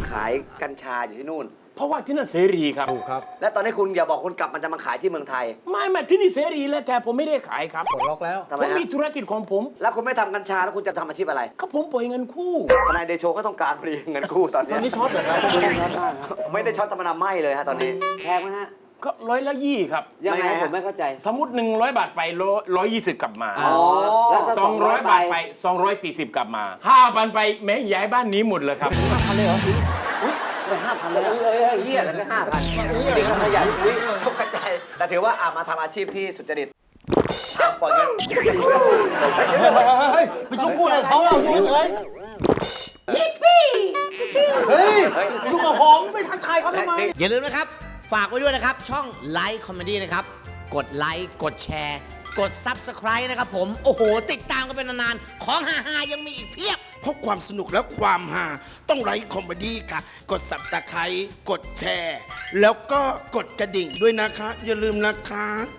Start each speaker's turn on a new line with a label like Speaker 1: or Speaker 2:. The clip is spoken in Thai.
Speaker 1: ขายกัญชาอยู่ที่นู่น
Speaker 2: เพราะว่าที่นั่นเสรีครับ
Speaker 3: ถูกครับ
Speaker 1: และตอนนี้คุณอย่าบอกคุณกลับมันจะมาขายที่เมืองไทย
Speaker 2: ไม่ที่นี่เสรีแล้วแต่ผมไม่ได้ขายครับ
Speaker 3: ปลดล็อกแล้ว
Speaker 1: ทำไม
Speaker 2: ผม
Speaker 1: ฮะ
Speaker 2: มีธุรกิจของผม
Speaker 1: แล้วคุณไม่ทำกัญชาแล้วคุณจะทำอาชีพอะไร
Speaker 2: ก็ผมปล่อยเงินกู้
Speaker 1: ทนายเดโชก็ต้องการพอดีเงินกู้ตอน
Speaker 3: ต
Speaker 1: นี้
Speaker 3: อนนี้ช็อตเหรอครับ
Speaker 1: ไม่ได้ช็อตตะมนาไหมเลยฮะตอนนี้แพงไหมฮะ
Speaker 2: ก็120ครับ
Speaker 1: ยังไงผมไม่เข้าใจ
Speaker 2: สมมติ100 บาทไป120กลับมา
Speaker 1: อ๋อแล้วถ้า
Speaker 2: 200 บาทไป240กลับมา5,000ไปแม่ย้ายบ้านนี้หมดเลยครับ
Speaker 3: 5,000เลยเหรอ
Speaker 1: ไป5,000เลยเฮียแล้วก็5,000นี่ก็ขยันอุ้ยตกใจแต่ถือว่ามาทำอาชีพที่สุจริตปล่อยเงิน
Speaker 3: เฮ้ยไปจุกกู้อะไรเขาเราอยู่เฉยยิปปี้เฮ้ยอยู่กับผมไปทักทายเขาทำไม
Speaker 4: อย่าลืมนะครับ ฝากไว้ด้วยนะครับ ช่องไลค์คอมเมดี้นะครับ กดไลค์กดแชร์ กด Subscribe นะครับผม โอ้โห ติดตามกันเป็นนานๆ ของฮาๆยังมีอีกเพียบ
Speaker 5: เพราะความสนุกและความฮาต้องไลค์คอมเมดี้ค่ะ กดสับตะไคร้กดแชร์ แล้วก็กดกระดิ่งด้วยนะคะ อย่าลืมนะคะ